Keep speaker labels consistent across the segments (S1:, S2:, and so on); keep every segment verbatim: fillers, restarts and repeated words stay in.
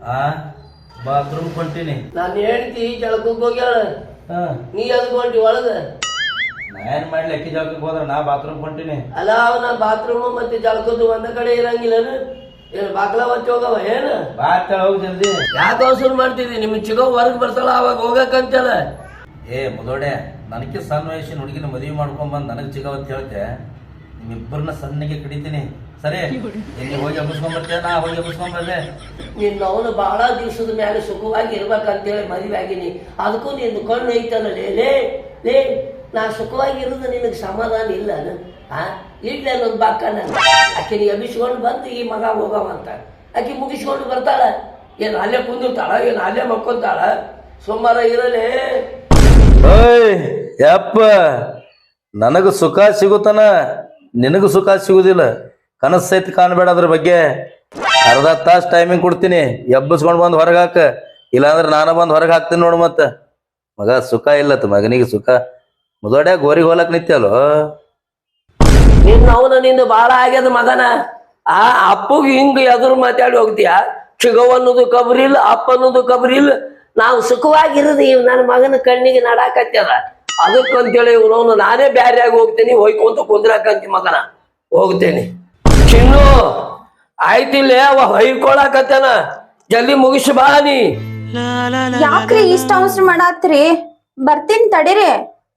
S1: ಆ ಬಾತ್ರೂಮ್ ಕೊಂಟೀನಿ.
S2: ನಾನು ಹೇಳ್ತಿ ಜಳಕಕ್ಕೆ ಹೋಗ್ಯಾಳ, ನೀ ಅದಕ್ಕೆ ಹೊಂಟಿ ಒಳಗ.
S1: ನಾ ಏನ್ ಮಾಡ್ಲಿ, ಅಕ್ಕಿ ಜಳಕಕ್ಕೆ ಹೋದ್ರ ನಾ ಬಾತ್ರೂಮ್ ಕೊಂಟೀನಿ.
S2: ಅಲ್ಲ ಅವನ ಬಾತ್ರೂಮ್ ಮತ್ತೆ ಜಳಕದ್ದು ಒಂದ ಕಡೆ ಇರಂಗಿಲ್ಲ. ಏನು ಬಾಗ್ಲ ಒತ್ತಿ ಹೋಗವ ಏನು?
S1: ಬಾತ್ ಹೋಗಿ ಜಲ್ದಿ.
S2: ಯಾಕೆ ಅವಸರ ಮಾಡ್ತಿದ್ದಿ? ನಿಮ್ ಚಿಗೋ ಹೊರಗ್ ಬರ್ತಾಳ ಅವಾಗ ಹೋಗಕ್ಕಂತೇಳ.
S1: ಏ ಮುದೋಡೆ, ನನಗೆ ಸಣ್ಣ ವಯಸ್ಸಿನ ಹುಡುಗಿನ ಮದುವೆ ಮಾಡ್ಕೊಂಡ್ ಬಂದ್ ನನಗ್ ಚಿಗವತ್ ಹೇಳ್ತೆ. ನಿಮ್ಮಿಬ್ಬರನ್ನ ಸಣ್ಣಗೆ ಕಡಿತೀನಿ. ಸರಿ, ಎಲ್ಲಿ ಹೋಗಿ ಹಬ್ಬಿಸ್ಕೊಂಡ್ ಬರ್ತೇನೆ, ನಾ ಹೋಗಿ ಹಬ್ಬಿಸ್ಕೊಂಡ್ ಬರ್ದೆ.
S2: ನಿನ್ನ ಅವನು ಬಹಳ ದಿವಸದ ಮೇಲೆ ಸುಖವಾಗಿ ಇರ್ಬೇಕಂತೇಳಿ ಮದುವೆ ಆಗಿನಿ. ಅದಕ್ಕೂ ನಿಂದು ಕಣ್ಣು ಐತಲ್ಲ ಲೇ ಲೇ ನಾ ಸುಖವಾಗಿ ಇರೋದು ನಿನಗೆ ಸಮಾಧಾನ ಇಲ್ಲ. ಆ ಇಡ್ಲಿ ಅನ್ನೋದು ಬಾಕಣ್ಣ ಆಕೆನ ಎಬ್ಬಿಸ್ಕೊಂಡು ಬಂದು ಈ ಮಗ ಹೋಗವಂತ ಆಕೆ ಮುಗಿಸ್ಕೊಂಡು ಬರ್ತಾಳ. ಏನು ಅಲ್ಲೇ ಕುಂದಿರ್ತಾಳ, ಏನು ಅಲ್ಲೇ ಮಕ್ಕೊಂತಾಳ? ಸೋಮವಾರ ಇರಲೇ.
S1: ಓಯ್ ಯಪ್ಪ, ನನಗ ಸುಖ ಸಿಗುತ್ತಾನ, ನಿನಗೂ ಸುಖ ಸಿಗುದಿಲ್ಲ. ಕನಸು ಸಹಿತ ಕಾಣಬೇಡ ಅದ್ರ ಬಗ್ಗೆ. ಅರ್ಧ ತಾಸು ಟೈಮಿಂಗ್ ಕೊಡ್ತೀನಿ, ಎಬ್ಬಿಸ್ಕೊಂಡು ಬಂದು ಹೊರಗೆ ಹಾಕ. ಇಲ್ಲಾಂದ್ರೆ ನಾನು ಬಂದು ಹೊರಗೆ ಹಾಕ್ತೀನಿ ನೋಡು. ಮತ್ತ ಮಗ ಸುಖ ಇಲ್ಲತ್ತ, ಮಗನಿಗೆ ಸುಖ. ಮುದೋಡ್ಯಾಗ ಗೋರಿಗೆ ಹೋಲಕ್ ನಿತ್ಯಲ್ಲೋ.
S2: ನಿನ್ನ ಅವನ ನಿಂದು ಬಾಳ ಆಗ್ಯದ ಮಗನ. ಆ ಅಪ್ಪಗೆ ಹಿಂಗ ಎದುರು ಮಾತಾಡಿ ಹೋಗ್ತೀಯ? ಚಿಗವ್ ಅನ್ನೋದು ಕಬ್ರಿಲ್ಲ, ಅಪ್ಪ ಅನ್ನೋದು ಕಬ್ರಿಲ್ಲ. ನಾವು ಸುಖವಾಗಿರೋದು ಇವ್ ನನ್ನ ಮಗನ ಕಣ್ಣಿಗೆ ನಡಾಕತ್ಯದ. ಅದಕ್ಕಂತೇಳಿ ಇವನವನು ನಾನೇ ಬ್ಯಾರ್ಯಾಗಿ ಹೋಗ್ತೀನಿ, ಹೋಯ್ಕೊಂತ ಕುಂದ್ರಾಕಂತಿ ಮಗನ. ಹೋಗ್ತೇನೆ ಚಿನ್ನು, ಆಯ್ತಿಲ್ಲ ಅವ ಹೊಯ್ಕೊಳಕತ್ತನ. ಜಲ್ದಿ ಮುಗಿಸಿ ಬಾ ನೀ.
S3: ಯಾಕ್ರಿ ಇಷ್ಟ ಅವಸರ ಮಾಡಾತ್ರಿ? ಬರ್ತೀನಿ ತಡೀರಿ.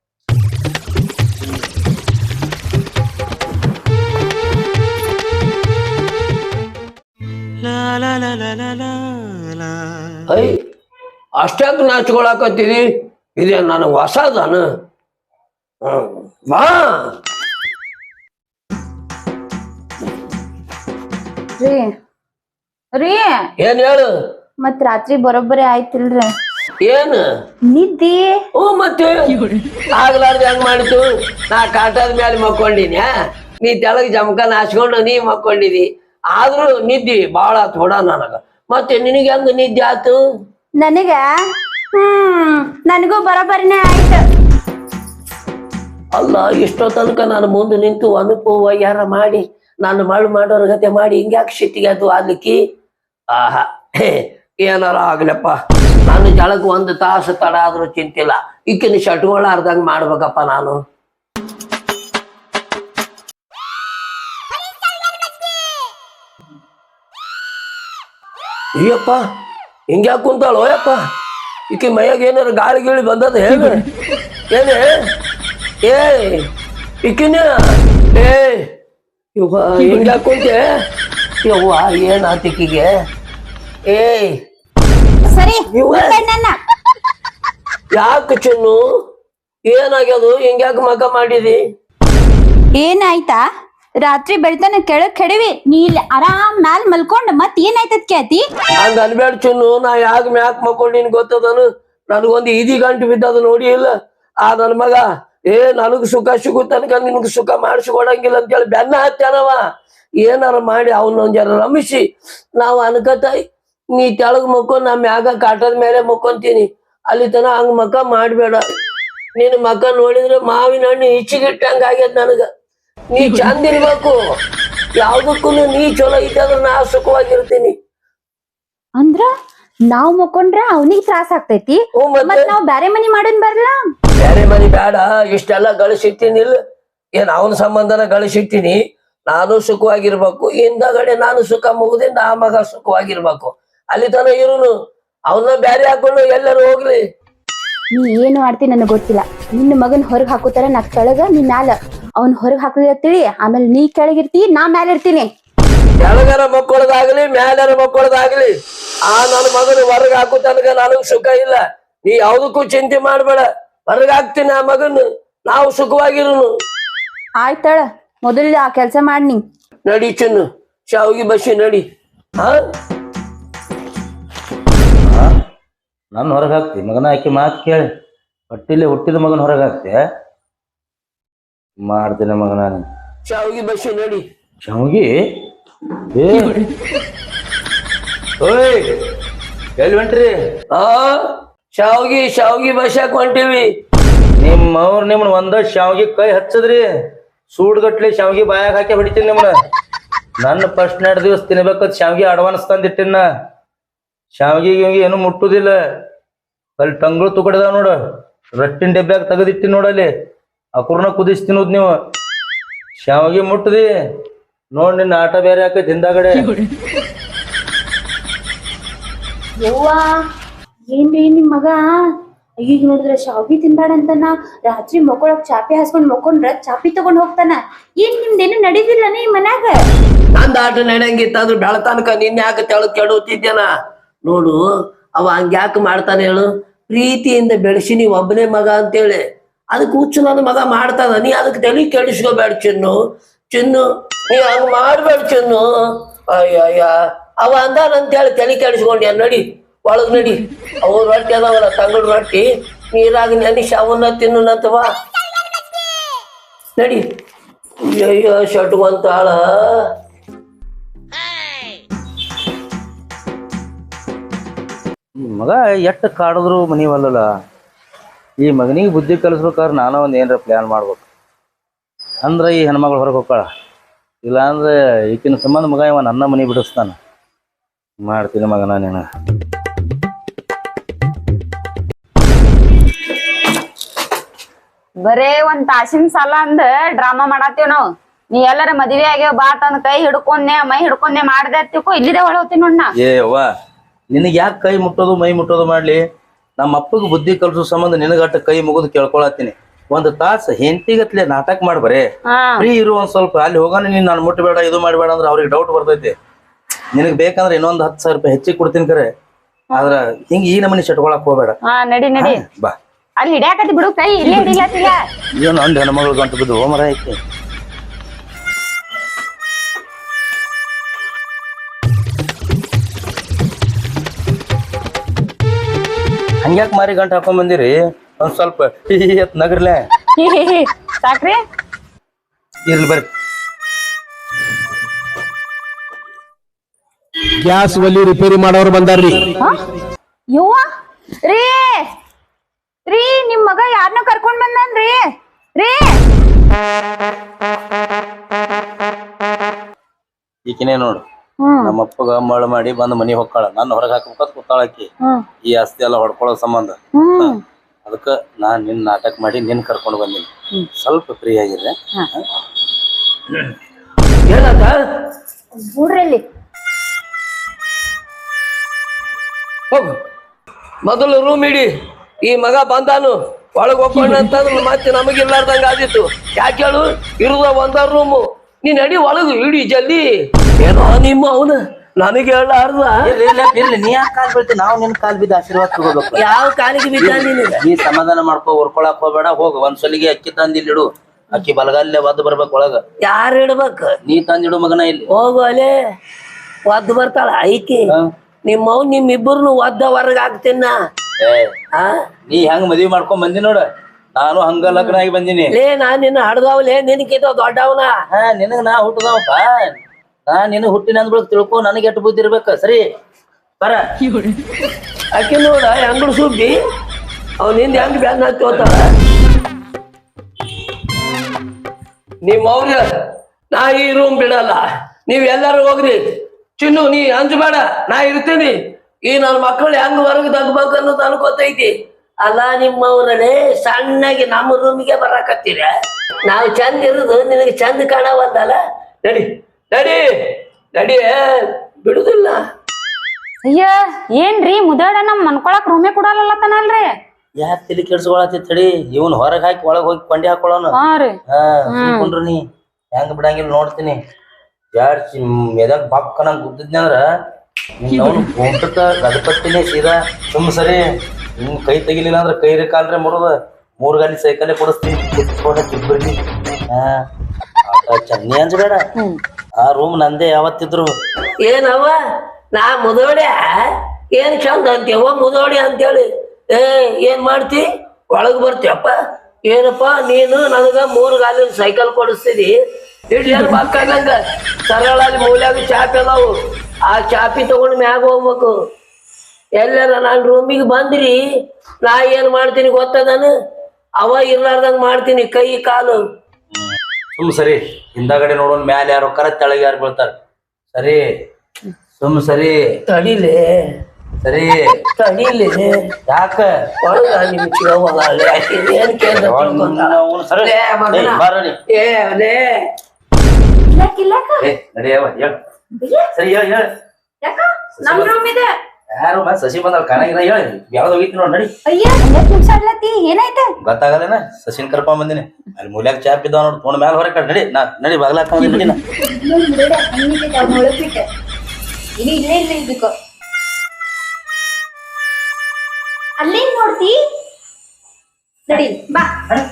S2: ಐ ಅಷ್ಟಾಕ್ ನಾಚ್ಕೊಳಕತ್ತಿದಿ? ಇದೇ ನನಗೆ ಹೊಸದಾನ. ಬಾ
S3: ರೀ ರೀ
S2: ಏನ್ ಹೇಳು?
S3: ಮತ್ ರಾತ್ರಿ ಬರೋಬ್ಬರಿ ಆಯ್ತಿಲ್ರಿ?
S2: ಏನ್
S3: ನಿದ್ದಿ?
S2: ಓ ಮತ್ತೆ ಆಗ್ಲಾರ್ದ ಹೆಂಗ್ ಮಾಡಿತು? ನಾ ಕಾಟದ ಮೇಲೆ ಮಕ್ಕೊಂಡಿನಿ, ನೀ ತೆಳಗ್ ಜಮಖಾನ ಹಾಸ್ಕೊಂಡು ನೀ ಮಕ್ಕೊಂಡಿದಿ. ಆದ್ರೂ ನಿದ್ದಿ ಬಾಳ ಥೋಡ ನನಗ. ಮತ್ತೆ ನಿನಗೆ ಹೆಂಗ ನಿದ್ದೆ ಆತು?
S3: ನನಗ ಹ್ಮ್ ನನಗೂ ಬರೋಬ್ಬರಿನೇ ಆಯ್ತು.
S2: ಅಲ್ಲ, ಇಷ್ಟೋ ತನಕ ನಾನು ಮುಂದೆ ನಿಂತು ಅನುಭವ ಯಾರ ಮಾಡಿ ನಾನು ಮಳು ಮಾಡೋರ ಗತೆ ಮಾಡಿ ಹಿಂಗ್ಯಾಕೆ ಸಿಟ್ಟಿಗೆ ಅದು ಆಗ್ಲಿಕ್ಕಿ? ಆಹಾ, ಏನಾರ ಆಗ್ಲಪ್ಪ. ನಾನು ಜಳಕ್ ಒಂದು ತಾಸು ತಡ ಆದ್ರೂ ಚಿಂತಿಲ್ಲ. ಈಕಿನ ಶಟ್ಗಳಾರ್ದಂಗ ಮಾಡ್ಬೇಕಪ್ಪ ನಾನು. ಅಯ್ಯಪ್ಪ, ಹಿಂಗ್ಯಾಕ ಕುಂತಾಳ ಓಯಪ್ಪ? ಈಕಿ ಮೈಯಾಗ ಏನಾರ ಗಾಳಿ ಗೀಳಿ ಬಂದದ ಹೇಳು? ಏನೇ ಏ ಈಕಿನ ಏ ಇವ ಹಿಂಗ್ಯಾಕ ಕುಂತೆ? ಯವ್ವ ಏನಾತಿಕಿಗೆ? ಏ
S3: ಸರಿ
S2: ಯಾಕೆ ಚಿನ್ನು, ಏನಾಗ್ಯದು? ಹಿಂಗ್ಯಾಕ ಮಗ ಮಾಡಿದಿ?
S3: ಏನಾಯ್ತಾ? ರಾತ್ರಿ ಬೆಳ್ತಾನ ಕೆಳಗ್ ಕೆಡವಿ ನೀ ಇಲ್ಲಿ ಆರಾಮ್ ಮ್ಯಾಲ್ ಮಲ್ಕೊಂಡ್ ಮತ್ ಏನಾಯ್ತದ ಕೇತಿ?
S2: ಹಂಗ ಅನ್ಬೇಡ ಚಿನ್ನು. ನಾ ಯಾಕ ಮ್ಯಾಕ್ ಮಕ್ಕೊಂಡಿನ್ ಗೊತ್ತದನು? ನನಗೊಂದು ಈದಿ ಗಂಟು ಬಿದ್ದದು ನೋಡಿ ಇಲ್ಲ? ಆ ನನ್ ಮಗ ಏ ನನಗ್ ಸುಖ ಸಿಗುತ್ತನಕ ನಿನ್ಗ್ ಸುಖ ಮಾಡಿಸ್ಕೊಡಂಗಿಲ್ಲ ಅಂತೇಳಿ ಬೆನ್ನ ಹತ್ತಾನವ. ಏನಾರ ಮಾಡಿ ಅವನೊಂದ್ ಜರ ರಮಿಸಿ ನಾವು ಅನ್ಕತಾಯಿ ನೀ ತೆಳಗ್ ಮಕ್ಕೊಂಡ್ ನಾ ಮ್ಯಾಗ ಕಾಟದ ಮೇಲೆ ಮಕ್ಕೊಂತೀನಿ. ಅಲ್ಲಿ ತನ ಹಂಗ ಮಕ ಮಾಡ್ಬೇಡ. ನಿನ್ ಮಕ ನೋಡಿದ್ರೆ ಮಾವಿನ ಹಣ್ಣು ಇಚ್ಚಿಗಿಟ್ಟಂಗ ಆಗ್ಯದ ನನಗ. ನೀ ಚಂದ ಇರ್ಬೇಕು, ಯಾವ್ದಕ್ಕೂ ನೀ ಚಲೋ ಇದ್ದಾದ್ರೆ ನಾ ಸುಖವಾಗಿರ್ತೀನಿ.
S3: ಅಂದ್ರ ನಾವ್ ಮಕ್ಕೊಂಡ್ರ ಅವನಿಗೆ ತ್ರಾಸ ಆಗ್ತೈತಿ, ಮತ್ ನಾವ್ ಬ್ಯಾರೆ ಮನಿ ಮಾಡೋನ್ ಬರ್ಲಾ?
S2: ಬೇರೆ ಮನಿ ಬೇಡ, ಇಷ್ಟೆಲ್ಲ ಗಳಿಸಿಟ್ಟಿನಿ ಇಲ್ಲ? ಏನ್ ಅವನ ಸಂಬಂಧನ ಗಳಿಸಿಟ್ಟಿನಿ. ನಾನು ಸುಖವಾಗಿರ್ಬೇಕು, ಹಿಂದಗಡೆ ನಾನು ಸುಖ ಮುಗಿದಿಂದ ಆ ಮಗ ಸುಖವಾಗಿರ್ಬೇಕು. ಅಲ್ಲಿ ತನ ಇರುನು ಅವನ್ನ ಬ್ಯಾರೆ ಹಾಕೊಂಡು ಎಲ್ಲರೂ ಹೋಗ್ಲಿ.
S3: ನೀ ಏನು ಮಾಡ್ತಿ ನನಗ್ ಗೊತ್ತಿಲ್ಲ. ನಿನ್ನ ಮಗನ್ ಹೊರಗ್ ಹಾಕೋತಾರ ನಾ ಕೆಳಗ, ನೀ ಮ್ಯಾಲ. ಅವ್ನ್ ಹೊರಗ್ ಹಾಕಲಿ ತಿಳಿ, ಆಮೇಲೆ ನೀ ಕೆಳಗಿರ್ತಿ, ನಾ ಮ್ಯಾಲ ಇರ್ತೀನಿ.
S2: ಕೆಳಗರ ಮಕ್ಕಳದಾಗ್ಲಿ ಮ್ಯಾಲರ ಮಕ್ಕಳದಾಗ್ಲಿ ಆ ನನ್ನ ಮಗನ ಹೊರಗ್ ಹಾಕೋ ತನಕ ನನಗ್ ಸುಖ ಇಲ್ಲ. ನೀ ಯಾವ್ದಕ್ಕೂ ಚಿಂತೆ ಮಾಡ್ಬೇಡ, ಹೊರಗ್ ಹಾಕ್ತೀನಿ ಆ ಮಗನ್, ನಾವು ಸುಖವಾಗಿರುನು.
S3: ಆಯ್ತಳ, ಮೊದಲ ಆ ಕೆಲ್ಸ ಮಾಡ್ನಿ.
S2: ನಡಿ ಚಿನ್ನು, ಶಾವಿಗೆ ಬಸಿ ನಡಿ. ಹಾ
S1: ನನ್ನ ಹೊರಗೆ ಹಾಕ್ತಿ ಮಗನ? ಆಕಿ ಮಾತು ಕೇಳಿ ಹೊಟ್ಟಿಲಿ ಹುಟ್ಟಿದ ಮಗನ ಹೊರಗೆ ಹಾಕ್ತೆ ಮಾಡ್ತೀನಿ ಮಗನ.
S2: ಶಾವಿಗೆ ಬಸಿ ನಡಿ.
S1: ಶಾವಿಗೆ ಏ ಓಯ್ ಎಲ್ಲಿ ಹೊಂಟ್ರಿ?
S2: ಆ ಶಾವಿಗೆ ಶಾವಿಗೆ ಬಸ್ಯಾಕ್ ಹೊಂಟಿವಿ.
S1: ನಿಮ್ಮವ್ರು ನಿಮ್ಮನ್ನ ಒಂದ ಶಾವಿಗೆ ಕೈ ಹಚ್ಚದ್ರಿ, ಸೂಡ್ಗಟ್ಲೆ ಶಾವಿಗೆ ಬಾಯಾಗ ಹಾಕಿ ಹೊಡಿತೀನಿ ನಿಮ್ಮನ್ನ. ನನ್ನ ಫಸ್ಟ್ ಎರಡು ದಿವಸ ತಿನ್ಬೇಕತ್ ಶಾವಿಗೆ ಅಡ್ವಾನ್ಸ್ ತಂದಿಟ್ಟಿನ. ಶಾವಿಗೆ ಗಿವಿಗೆ ಏನು ಮುಟ್ಟುದಿಲ್ಲ. ಅಲ್ಲಿ ಟಂಗಳು ತುಕಡಿದಾವ ನೋಡ, ರಟ್ಟಿನ ಡಬ್ಬ್ಯಾಗ ತೆಗೆದಿಟ್ಟಿ ನೋಡಲ್ಲಿ, ಅಕುರ್ನ ಕುದಿಸಿ ತಿನ್ನೋದು ನೀವು. ಶಾವಿಗೆ ಮುಟ್ಟದಿ ನೋಡ್, ನಿನ್ನ ಆಟ ಬೇರೆ ಹಾಕೈತಿ ಹಿಂದಾಗಡೆ.
S3: ಯವ್ವಾ ಏನ್ರಿ ನಿಮ್ ಮಗ ಈಗ ನೋಡಿದ್ರೆ ಶಾವಿಗೆ ತಿನ್ಬೇಡ ಅಂತಾನ, ರಾತ್ರಿ ಮಕ್ಕೊಳಕ್ ಚಾಪಿ ಹಾಸ್ಕೊಂಡ್ ಮಕ್ಕೊಂಡ್ರ ಚಾಪಿ ತಗೊಂಡ್ ಹೋಗ್ತಾನ. ಏನ್ ನಿಮ್ದೇನು ನಡೀದಿಲ್ಲ ನೀ ಮನ್ಯಾಗ?
S2: ನಂದ ಆಟ ನಡೆಯಂಗಿತ್ತಾದ್ರು ಬೆಳತನಕ ನಿನ್ ಯಾಕೆ ತೆಳಗ್ ಕೆಡುತ್ತಿದ್ದೇನ ನೋಡು. ಅವ ಹಂಗ್ಯಾಕೆ ಮಾಡ್ತಾನೆ ಹೇಳು? ಪ್ರೀತಿಯಿಂದ ಬೆಳೆಸಿ ನೀ ಒಬ್ಬನೇ ಮಗ ಅಂತೇಳಿ ಅದಕ್ಕೆ ಹುಚ್ಚು ನನ್ನ ಮಗ ಮಾಡ್ತಾನ. ನೀ ಅದಕ್ಕೆ ತಲೆ ಕೆಡಿಸ್ಕೋಬೇಡ ಚಿನ್ನು. ಚಿನ್ನು ನೀ ಹಂಗ ಮಾಡ್ಬೇಡ ಚಿನ್ನು. ಅಯ್ಯ ಅಯ್ಯ ಅವ ಅಂದಾನಂತೇಳಿ ತಲೆ ಕೆಡಿಸ್ಕೊಂಡ್ಯ. ನಡಿ ಒಳಗ್ ನಡಿ. ಅವು ರೊಟ್ಟಿ ಅದಾವಲ್ಲ ತಂಗಳು ರೊಟ್ಟಿ, ನೀರಾಗ ನೆನಿಸಿ ಅವನ್ನ ತಿನ್ನಂತವ. ನಡಿ. ಅಯ್ಯೋ ಶಟ್ಕೊಂತಾಳ.
S1: ಮಗ ಎಟ್ಟು ಕಾಡಿದ್ರು ಮನಿವಲ್ಲ. ಈ ಮಗನಿಗೆ ಬುದ್ಧಿ ಕಲಿಸ್ಬೇಕಾದ್ರೆ ನಾನು ಒಂದು ಏನಾರ ಪ್ಲ್ಯಾನ್ ಮಾಡ್ಬೇಕು. ಅಂದ್ರೆ ಈ ಹೆಣ್ಮಗಳು ಹೊರಗೆ ಹೋಗ್ತಾಳ, ಇಲ್ಲಾಂದ್ರೆ ಈಕಿನ ಸಂಬಂಧ ಮಗ ಇವ ನನ್ನ ಮನೆ ಬಿಡಿಸ್ತಾನ. ಮಾಡ್ತೀನಿ ಮಗ ನಾನೇನು.
S4: ಬರೇ ಒಂದ್ ತಾಸಿನ ಸಾಲ ಅಂದ ಡ್ರಾಮಾ ಮಾಡಾತೀವ್ ನಾವ್. ನೀ ಎಲ್ಲರ ಮದ್ವೆ ಆಗ್ಯಾವ ಬಾಟ್ ಅಂದ್ ಕೈ ಹಿಡ್ಕೊಂಡೆ ಮೈ ಹಿಡ್ಕೊಂಡೆ ಮಾಡ್ದೆ ತಿಳ್ಕೊ, ಇಲ್ಲಿದೆ ಒಳ ಹೋಗ್ತೀನಿ ನೋಡ್ ನಾ.
S1: ಏ ಅವ್ವ, ನಿನಗೆ ಯಾಕೆ ಕೈ ಮುಟ್ಟೋದು ಮೈ ಮುಟ್ಟೋದು ಮಾಡ್ಲಿ? ನಮ್ಮ ಅಪ್ಪಗೆ ಬುದ್ಧಿ ಕಲಿಸೋ ಸಂಬಂಧ ನಿನಗಟ್ಟ ಕೈ ಮುಗಿದು ಕೇಳ್ಕೊಳತ್ತೀನಿ. ಒಂದು ತಾಸು ಹೆಂಡತಿಗತ್ಲೆ ನಾಟಕ ಮಾಡ್ಬರೇ, ಫ್ರೀ ಇರು ಒಂದ್ ಸ್ವಲ್ಪ. ಅಲ್ಲಿ ಹೋಗೋಣ, ನೀನ್ ನಾನು ಮುಟ್ಟಬೇಡ ಇದು ಮಾಡಬೇಡ ಅಂದ್ರೆ ಅವ್ರಿಗೆ ಡೌಟ್ ಬರ್ತೈತಿ. ನಿನಗ್ ಬೇಕಂದ್ರೆ ಇನ್ನೊಂದ್ ಹತ್ತು ಸಾವಿರ ರೂಪಾಯಿ ಹೆಚ್ಚಿಗೆ ಕೊಡ್ತೀನಿ ಕರೆ, ಆದ್ರ ಹಿಂಗ ಈ ನಮನಿ ಶಟ್ಕೊಳಕ್ ಹೋಗ್ಬೇಡ.
S4: ಹಾ ನಡಿ ನಡಿ.
S1: ಬಾ,
S4: ಅಲ್ಲಿ ಹಿಡ್ಯಾಕತಿ ಬಿಡು ಕೈ, ಇಲ್ಲೇ ಹಿಡಿಲತ್ತಿಲ್ಲ.
S1: ಏನು ಅಂದ್ ಹೆಣ್ಮಗಳು ಗಂಟು ಬಿದ್ದು ಹೋಮರ ಐತಿ. ಹಂಗ್ಯಾಕ್ ಮಾರಿ ಗಂಟು ಹಾಕೊಂಡ್ ಬಂದಿರಿ? ಒಂದ್ ಸ್ವಲ್ಪ ಎತ್ ನಗರ್ಲೆ
S4: ಸಾಕ್ರಿ.
S1: ಇರ್ಲಿ ಬರ್ರಿ.
S5: ಗ್ಯಾಸ್ ಒಲಿ ರಿಪೇರಿ ಮಾಡೋರು ಬಂದಾರ್ರಿ.
S4: ಯವ್ವ ರೀ ರೀ ನಿಮ್ ಮಗ ಯಾರನ್ನ ಕರ್ಕೊಂಡ್ ಬಂದನ್ರಿ ರೀ?
S1: ಈಕಿನೇ ನೋಡು, ನಮ್ಮ ಅಪ್ಪಗ ಮಳ ಮಾಡಿ ಬಂದ್ ಮನಿ ಹೊಕ್ಕಾಳ. ನನ್ನ ಹೊರಗೆ ಹಾಕ್ಬೇಕಂತ ಕೂತಾಳಕಿ. ಈ ಆಸ್ತಿ ಎಲ್ಲ ಹೊಡ್ಕೊಳ್ಳೋ ಸಂಬಂಧ ಅದಕ್ಕ ನಾನ್ ನಿನ್ ನಾಟಕ ಮಾಡಿ ನಿನ್ ಕರ್ಕೊಂಡು ಬಂದಿನಿ. ಸ್ವಲ್ಪ ಫ್ರೀ ಆಗಿದ್ರೆ
S2: ಏನಂತ
S3: ನೋಡ್ರಲ್ಲಿ
S2: ಹೋಗು. ಮೊದಲು ರೂಮ್ ಇಡಿ. ಈ ಮಗ ಬಂದಾನು ಒಳಗ್ ಹೋಗ್ಕೊಂಡ ಅಂತಂದ್ರೆ ಮತ್ತೆ ನಮಗಿಲ್ಲಾರ್ದಂಗ ಆದಿತ್ತು. ಯಾಕೆ ಹೇಳು? ಇರುದ ಒಂದ ರೂಮು. ನೀ ನಡಿ ಒಳಗು ಇಡಿ ಜಲ್ದಿ. ಏನೋ ನಿಮ್ಮ ಅವನು ನನಗೆ ಹೇಳಾರ್ದ.
S1: ಇರ್ಲಿ, ನೀ ಯಾಕೆ ಕಾಲ್ ಬೀಳ್ತಿ? ನಾವು ನಿನ್ ಕಾಲ್ ಬಿದ್ದು ಆಶೀರ್ವಾದ ತಗೋಬೇಕು.
S2: ಯಾವ ಕಾಲಿಗೆ ಬಿದ್ದ ನೀನು?
S1: ನೀ ಸಮಾಧಾನ ಮಾಡ್ಕೊ, ಉರ್ಕೊಳಕ್ ಹೋಗ್ಬೇಡ. ಹೋಗ ಒಂದ್ ಸಲಿಗೆ ಅಕ್ಕಿ ತಂದಿಲ್ಲಿಡು. ಅಕ್ಕಿ ಬಲಗಲ್ಲೇ ಒದ್ದು ಬರ್ಬೇಕು ಒಳಗ.
S2: ಯಾರು ಇಡ್ಬೇಕು?
S1: ನೀ ತಂದಿಡು ಮಗನ. ಇಲ್ಲಿ
S2: ಹೋಗು ಅಲೆ ಒದ್ದು ಬರ್ತಾಳ ಐಕಿ. ನಿಮ್ಮವ್ ನಿಮ್ಮಿಬ್ಬರನ್ನು ಒದ್ದ ಹೊರಗ ಹಾಕ್ತೀನ.
S1: ನೀ ಹೆಂಗ್ ಮದ್ವಿ ಮಾಡ್ಕೊಂಡ್ ಬಂದಿ ನೋಡ, ನಾನು ಹಂಗ ಲಗ್ನ ಆಗಿ ಬಂದಿನಿ.
S2: ಲೇ ನಾನ್ ನಿನ್ನ ಹಡ್ದವ್ಲೇ, ನಿನಕಿತ ದೊಡ್ಡವನ.
S1: ಹಾ ನಿನಗ ನಾ ಹುಟ್ಟದವಪ್ಪ. ನಾ ನಿನಗ್ ಹುಟ್ಟಿನ ಅಂದ್ಬಿಳಕ್ ತಿಳ್ಕೊ. ನನಗೆ ಎಟ್ಟು ಬುದ್ಧಿ ಇರ್ಬೇಕ. ಸರಿ ಬರ.
S2: ಅಕ್ಕಿ ನೋಡ ಅಂಗಡಿ ಸುಬ್ಬಿ ಅವನಿಂದ ಹೆಂಗ್ ಬ್ಯಾನ್ ಹತ್ತಿ ಹೋತಾಳ. ನಿಮ್ಮ ಅವ್ರ ನಾ ಈ ರೂಮ್ ಬಿಡಲ್ಲ. ನೀವ್ ಎಲ್ಲಾರು ಹೋಗ್ರಿ. ಚಿನ್ನು ನೀ ಅಂಜಬೇಡ, ನಾ ಇರ್ತೀನಿ. ಈ ನನ್ನ ಮಕ್ಕಳು ಹೆಂಗ್ ಹೊರಗೆ ತಗ್ಬೇಕು ಅನ್ನೋದು ಅನ್ಕೋತೈತಿ. ಅಲ್ಲ ನಿಮ್ಮವ್ರಲ್ಲೇ ಸಣ್ಣಗೆ ನಮ್ಮ ರೂಮಿಗೆ ಬರಾಕತ್ತೀರ. ನಾವು ಚಂದ ಇರುದು ನಿನಗೆ ಚಂದ ಕಾಣವಲ್ಲಲ್ಲ. ನಡಿ ನಡಿ ನಡಿ, ಬಿಡುದಿಲ್ಲ.
S4: ಅಯ್ಯ ಏನ್ರಿ ಮುದಾಡ ನಮ್ ಮನ್ಕೊಳಕ್ ರೂಮೇ ಕೊಡಲ್ಲತ್ತನಲ್ರಿ?
S1: ಯಾಕೆ ತಲೆ ಕೆಡ್ಸ್ಕೊಳತಿ ತಡಿ. ಇವನ್ ಹೊರಗ್ ಹಾಕಿ ಒಳಗ್ ಹೋಗಿ ಕೊಂಡಿ ಹಾಕೊಳ್ಳೋನು.
S4: ಹಾ ರೀ.
S1: ಹಾ ಸುಮ್ಕೊಂಡ್ರು ನೀ ಹೆಂಗ್ ಬಿಡಂಗಿಲ್ಲ ನೋಡ್ತೀನಿ. ಯಾರ್ ಎದಾಗ ಬಾಕ್ಕನಂಗ್ ಗುದ್ದಿದ್ನಿ ಅಂದ್ರ ಅವ್ನು ಗುಂಟಕ್ಕ ಗದಪಟ್ಟಿನೇ ಸೀದಾ. ಸುಮ್ ಸರಿ ನಿಮ್ ಕೈ ತೆಗಿಲಿಲ್ಲ ಅಂದ್ರ ಕೈರಿ ಕಾಲ್ರೆ ಮುರಿದ ಮೂರ್ ಗಾಲಿ ಸೈಕಲ್ಲೇ ಕೊಡಿಸ್ತೀನಿ. ಇಬ್ಬರಿಗೆ ಹಾ ಚನ್ನಿ ಅಂಜಬೇಡ. ಆ ರೂಮ್ ನಂದೇ ಯಾವತ್ತಿದ್ರು.
S2: ಏನವ ನಾ ಮುದೋಡ್ಯ ಏನ್ ಚಂದ ಅಂತೀವ ಮುದೋಡಿ ಅಂತೇಳಿ. ಏ ಏನ್ ಮಾಡ್ತಿ? ಒಳಗ್ ಬರ್ತೀಯಪ್ಪ. ಏನಪ್ಪಾ ನೀನು ನನಗ ಮೂರು ಗಾಲಿನ ಸೈಕಲ್ ಕೊಡಿಸ್ತೀರಿ. ಇಡ್ಲಿ ಬಾಕಂಗ ಸರಳ ಮೂಲ್ಯಾಗ ಚಾಪಿ ಅದಾವು. ಆ ಚಾಪಿ ತಗೊಂಡು ಮ್ಯಾಗ ಹೋಗ್ಬೇಕು. ಎಲ್ಲಾರ ನಾನ್ ರೂಮಿಗೆ ಬಂದ್ರಿ ನಾ ಏನ್ ಮಾಡ್ತೀನಿ ಗೊತ್ತದಾನು? ಅವ ಇರ್ಲಾರ್ದಂಗ ಮಾಡ್ತೀನಿ ಕೈ ಕಾಲು.
S1: ಸುಮ್ ಸರಿ ಹಿಂದಾಗಡೆ ನೋಡೋನ್ ಮ್ಯಾಲ ಯಾರು ಕರ ತೆಳಗ ಯಾರು ಬೀಳ್ತಾರ. ಸರಿ ಸುಮ್ ಸರಿ
S2: ತಡಿಲೆ
S1: ಸರಿ
S2: ತಡೀಲಿ
S1: ಯಾಕ
S2: ಒಳಗ ನಿಮ್ ಚಿಗವ್ವ ಅಲ್ಲೇ ಆಕಿ ಏನ್ ಕೇಳ್ದ ತಿಳ್ಕೊಂಡ.
S1: ಅವ್ನು ಸರಿ
S2: ಲೇ ಮಗನ.
S1: ಏ, ಬಾರೋ ನೀ.
S2: ಏ ಲೇ
S3: ಕಿಲಾಕ್ ಕಿಲಾಕ
S1: ಏ ನಡಿಯವ ಹೇಳ ಸರಿ ಹೇಳ ಹೇಳ
S3: ಯಾಕ ನಮ್ ರೂಮ್ ಇದೆ.
S1: ಯಾರು ಮತ್ತೆ ಸಸಿ ಬಂದವ್ ಕಾಣಂಗಿಲ್ಲ ಹೇಳ ಯಾವ್ದು ಹೋಗಿತ್ತು ನೋಡಿ ನಡಿ
S3: ಅಯ್ಯ ಹಂಗತ್ ನಿಮ್ಸಾಡ್ಲತ್ತಿ ಏನಾಯ್ತ?
S1: ಗೊತ್ತಾಗಲ್ಲೇನ ಸಸಿನ್ ಕರ್ಕೊಂಡ್ ಬಂದಿನಿ ಅಲ್ಲಿ ಮೂಲ್ಯಾಗ ಚಾಪ್ ಇದ್ದಾವ ನೋಡಿ ತೊಗೊಂಡ್ ಮ್ಯಾಲ ಹೊರಗೆ ಕಡ್ ನಡಿ ನಾ ನಡಿ ಬಾಗ್ಲ ಹಾಕೊಂಡ್ ನಡಿ ನಾ
S3: ನೋಡ್ ಬಿಡ ಹಂಗಿದ್ದ ಅವ್ನ ಒಳಗ್ ಬಿಟ್ಟ ಇನ್ನು ಇಲ್ಲೇ ಇಲ್ಲ ಇದಕ್ಕ ಅಲ್ಲೇ ನೋಡ್ತಿ ನಡಿ ಬಾ.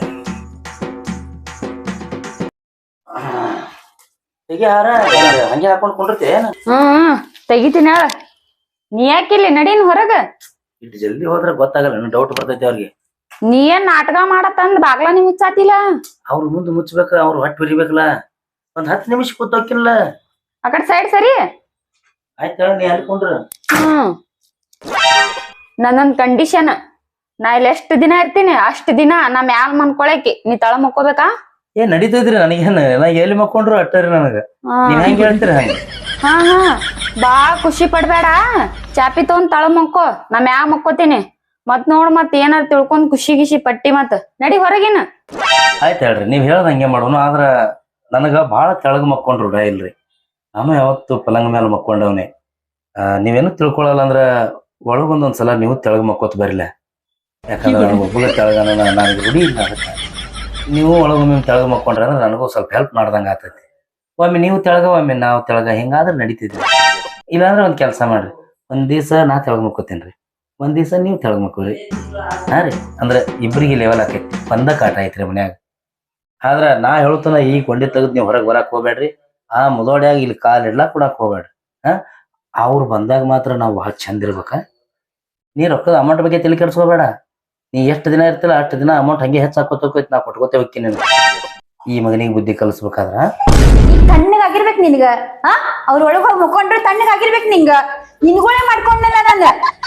S1: ಹೀಗೆ ಯಾರ ಹಂಗೆ ಹಾಕೊಂಡ್ ಕುಂಡಿರ್ತಿ ಏನ
S4: ಹ್ಮ್ ತೆಗಿತೀನಿ ಹೇಳ. ನೀ ಯಾಕಿಲ್ಲಿ ನಡೀನ್ ಹೊರಗ.
S1: ಇಟ್ಟು ಜಲ್ದಿ ಹೋದ್ರೆ ಗೊತ್ತಾಗಲ್ಲ ಡೌಟ್ ಬರ್ತೈತಿ ಅವ್ರಿಗೆ
S4: ನೀ ಏನ್ ನಾಟಕ ಮಾಡತ್ತಂದ್ ಬಾಗ್ಲ ನೀ ಮುಚ್ಚಾತಿಲ್ಲ.
S1: ಅವ್ರ ಮುಂದೆ ಮುಚ್ಬೇಕ ಅವ್ರ ಹೊಟ್ಟೆ ಬಿರಿಬೇಕಲ್ಲ ಒಂದ್ ಹತ್ತು ನಿಮಿಷ ಕೂತೋಕಿಲ್ಲ
S4: ಆ ಕಡೆ ಸೈಡ್ ಸರಿ.
S1: ಆಯ್ತು ಹೇಳ ನೀ ಅಲ್ಲಿ ಕುಂಡ್ರ
S4: ಹ್ಮ್ ನನ್ನೊಂದ್ ಕಂಡೀಷನ್, ನಾ ಇಲ್ಲಿ ಎಷ್ಟ್ ದಿನ ಇರ್ತೀನಿ ಅಷ್ಟ್ ದಿನ ನಾ ಮ್ಯಾಲ್ ಮನ್ಕೊಳಕಿ ನೀ ತಳ ಮಕ್ಕೋಬೇಕಾ?
S1: ಏನ್ ನಡೀತೈತ್ರಿ ನನಗೇನ್ ನಾ ಎಲ್ಲಿ ಮಕ್ಕೊಂಡ್ರು ಅಟ್ಟರಿ ನನಗ
S4: ಹಾ
S1: ನೀವ್ ಹೆಂಗ್ ಹೇಳ್ತೀರಿ ಹಂಗ
S4: ಹಾ ಹಾ ಬಾಳ್ ಖುಷಿ ಪಡ್ಬೇಡ. ಚಾಪಿ ತಗೊಂಡ್ ತಳ ಮಕ್ಕೋ, ನಾ ಮ್ಯಾಗ ಮಕ್ಕೋತೀನಿ. ಮತ್ ನೋಡ್ ಮತ್ ಏನಾರ ತಿಳ್ಕೊಂಡ್ ಖುಷಿ ಗಿಷಿ ಪಟ್ಟಿ ಮತ್ ನಡಿ ಹೊರಗಿನ.
S1: ಆಯ್ತು ಹೇಳ್ರಿ ನೀವ್ ಹೇಳ್ದ ಹಂಗೆ ಮಾಡೋನು ಆದ್ರ ನನಗ ಬಾಳ ತೆಳಗ್ ಮಕ್ಕೊಂಡ್ರು ರೂಢ ಇಲ್ರಿ. ನಾನು ಯಾವತ್ತು ಪಲಂಗ ಮೇಲೆ ಮಕ್ಕೊಂಡವ್ನೆ. ಆ ನೀವೇನು ತಿಳ್ಕೊಳಲ್ಲ ಅಂದ್ರ ಒಳಗೊಂದೊಂದ್ಸಲ ನೀವು ತೆಳಗ್ ಮಕ್ಕೋತ್ ಬರಿಲ್ಲ. ಯಾಕಂದ್ರೆ ನನಗೆ ಒಬ್ಬಗ ತೆಳಗನ ನನಗೆ ರೂಢಿ ಇಲ್ಲ ಅದಕ್ಕೆ. ನೀವು ಒಳಗೊಮ್ಮೆ ತೆಳಗ್ ಮಕ್ಕೊಂಡ್ರೆ ಅಂದ್ರೆ ನನಗೂ ಸ್ವಲ್ಪ ಹೆಲ್ಪ್ ಮಾಡ್ದಂಗ ಆತೈತಿ. ಒಮ್ಮೆ ನೀವು ತೆಳಗ ಒಮ್ಮೆ ನಾವು ತೆಳಗ ಹಿಂಗಾದ್ರೆ ನಡೀತಿದ್ವಿ. ಇಲ್ಲಾಂದ್ರೆ ಒಂದ್ ಕೆಲಸ ಮಾಡ್ರಿ, ಒಂದ್ ದಿವ್ಸ ನಾ ತೆಳಗ್ ಮಕ್ಕೋತೇನ್ರಿ, ಒಂದ್ ದಿವ್ಸ ನೀವು ತೆಳಗ್ ಮಕ್ಕೋರಿ. ಹಾ ರೀ ಅಂದ್ರೆ ಇಬ್ರಿಗೆ ಲೆವೆಲ್ ಆಕೈತಿ, ಬಂದ ಕಾಟ ಐತ್ರಿ ಮನ್ಯಾಗ. ಆದ್ರ ನಾ ಹೇಳ್ತಾನ ಈ ಕೊಂಡಿ ತೆಗೆದ್ ನೀವು ಹೊರಗೆ ಬರಕ್ ಹೋಗ್ಬೇಡ್ರಿ. ಆ ಮುದೋಡ್ಯಾಗ ಇಲ್ಲಿ ಕಾಲ್ ಇಡ್ಲಾಕ್ ಕೊಡಕ್ ಹೋಗ್ಬೇಡ್ರಿ. ಹಾ ಅವ್ರು ಬಂದಾಗ ಮಾತ್ರ ನಾವು ಭಾಳ ಚಂದ ಇರ್ಬೇಕ. ನೀ ರೊಕ್ಕದ ಅಮೌಂಟ್ ಬಗ್ಗೆ ತಲೆ ಕೆಡ್ಸ್ಕೋಬೇಡ. ನೀ ಎಷ್ಟು ದಿನ ಇರ್ತಿಲ್ಲ ಅಷ್ಟು ದಿನ ಅಮೌಂಟ್ ಹಂಗೆ ಹೆಚ್ಚಾಕೋತೋಕೈತಿ, ನಾ ಕೊಟ್ಕೋತೆ ಹೋಗ್ತೀನಿ. ಈ ಮಗನಿಗೆ ಬುದ್ಧಿ ಕಲಿಸ್ಬೇಕಾದ್ರ
S3: ಈಗ ತಣ್ಣಗಾಗಿರ್ಬೇಕು ನಿನ್ಗ. ಹಾ ಅವ್ರ ಒಳಗ್ ಹೋಗಿ ಮುಕ್ಕೊಂಡ್ರೆ ತಣ್ಣಗಾಗಿರ್ಬೇಕು ನಿಂಗ. ನಿನ್ಗಳೇ ಮಾಡ್ಕೊಂಡಲ್ಲ ನಾನು.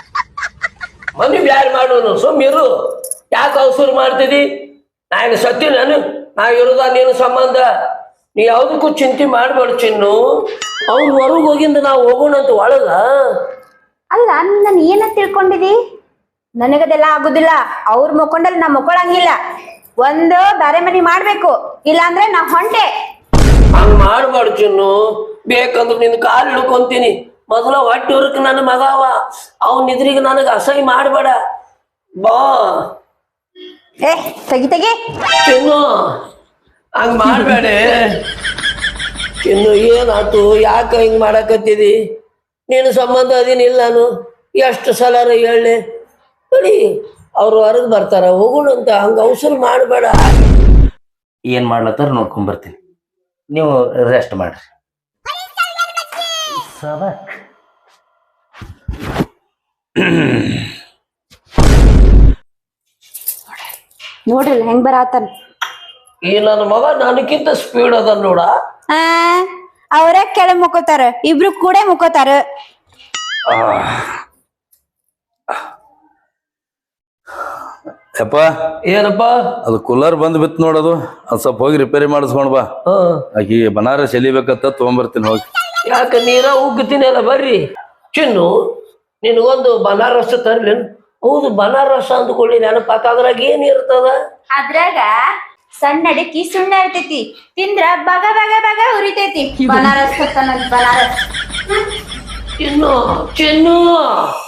S2: ಮನಿ ಬ್ಯಾರ್ ಮಾಡೋನು ಸುಮ್ಮಿರು. ಯಾಕೆ ಅವಸರ ಮಾಡ್ತಿದಿ? ನಾ ಈಗ ಸತ್ತಿ ನಾನು ನಾ ಇರೋದ ನೀನು ಸಂಬಂಧ. ನೀ ಯಾವ್ದಕ್ಕೂ ಚಿಂತೆ ಮಾಡ್ಬೇಡ ಚಿನ್ನು. ಅವ್ನು ಹೊರಗೆ ಹೋಗಿಂದ ನಾವು ಹೋಗೋಣಂತ ಒಳಗ.
S3: ಅಲ್ಲ ನಾನು ಏನ ತಿಳ್ಕೊಂಡಿದಿ? ನನಗದೆಲ್ಲ ಆಗುದಿಲ್ಲ. ಅವ್ರ ಮುಕ್ಕೊಂಡಲ್ಲಿ ನಾ ಮುಕ್ಕೊಳಂಗಿಲ್ಲ. ಒಂದು ಬೇರೆ ಮನಿ ಮಾಡ್ಬೇಕು, ಇಲ್ಲ ಅಂದ್ರೆ ನಾ ಹೊಂಟೆ.
S2: ಹಂಗ ಮಾಡ್ಬೇಡ ಚಿನ್ನು. ಬೇಕಂದ್ರೆ ನಿನ್ ಕಾಲು ಹಿಡ್ಕೊಂತೀನಿ. ಮೊದಲ ಹೊಟ್ಟೆ ಹೊರಕ್ ನನ್ನ ಮಗ ಅವ. ಅವ್ನ ಇದ್ರಿಗೆ ನನಗೆ ಅಸಹ್ಯ ಮಾಡ್ಬೇಡ ಬಾ.
S3: ಏ ತೆಗಿ ತೆಗಿ.
S2: ಚಿನ್ನು ಹಂಗ ಮಾಡ್ಬೇಡ ಚಿನ್ನು. ಏನಾತು? ಯಾಕ ಹಿಂಗ್ ಮಾಡಕತ್ತಿದಿ? ನೀನು ಸಂಬಂಧ ಅದೇನಿಲ್ಲ. ನಾನು ಎಷ್ಟು ಸಲ ಹೇಳಿ ನೋಡಿ ಅವ್ರು ಹೊರಗೆ ಬರ್ತಾರ, ಹೋಗೋಣಂತ. ಹಂಗ ಅವಸರ ಮಾಡಬೇಡ.
S1: ಏನ್ ಮಾಡ್ಲತ್ತಾರ ನೋಡ್ಕೊಂಡ್ ಬರ್ತೀನಿ, ನೀವು ರೆಸ್ಟ್ ಮಾಡ್ರಿ. ಸಬಕ್
S3: ನೋಡ್ರಲ್ಲ ಹೆಂಗ್ ಬರಾತನ್.
S2: ಈ ನನ್ನ ಮಗ ನನಕ್ಕಿಂತ ಸ್ಪೀಡ್ ಅದ ನೋಡ.
S3: ಆ ಅವ್ರ ಕೆಳಗ್ ಮುಕ್ಕೋತಾರ, ಇಬ್ರು ಕೂಡ ಮುಕ್ಕೋತಾರ.
S1: ಯಪ್ಪ
S2: ಏನಪ್ಪ?
S1: ಅದು ಕೂಲರ್ ಬಂದ್ ಬಿತ್ತು ನೋಡೋದು, ಅದು ಸ್ವಲ್ಪ ಹೋಗಿ ರಿಪೇರಿ ಮಾಡಿಸ್ಕೊಂಡ್ ಬಾ.
S2: ಹ
S1: ಆಕಿ ಬನಾರಸ್ ಎಲಿಬೇಕಂತ ತೊಗೊಂಬರ್ತೀನಿ ಹೋಗಿ.
S2: ಯಾಕ ನೀರ ಉಗ್ತೀನಿ ಅಲ್ಲ ಬರ್ರಿ. ಚಿನ್ನು ನಿನಗೊಂದು ಬನಾರಸ್ ತರ್ಲಿ. ಹೌದು ಬನಾರಸ್ ಅಂದ್ಕೊಳ್ಳಿ ನೆನಪಾತ. ಅದ್ರಾಗ ಏನ್ ಇರ್ತದ?
S3: ಅದ್ರಾಗ ಸಣ್ಣ ಅಡಿಕಿ ಸುಣ್ಣ ಇರ್ತೈತಿ, ತಿಂದ್ರ ಬಗ ಬಗ ಬಗ ಉರಿತೈತಿ. ಬನಾರಸ್ ಬನಾರಸ್
S2: ಚಿನ್ನು ಚಿನ್ನು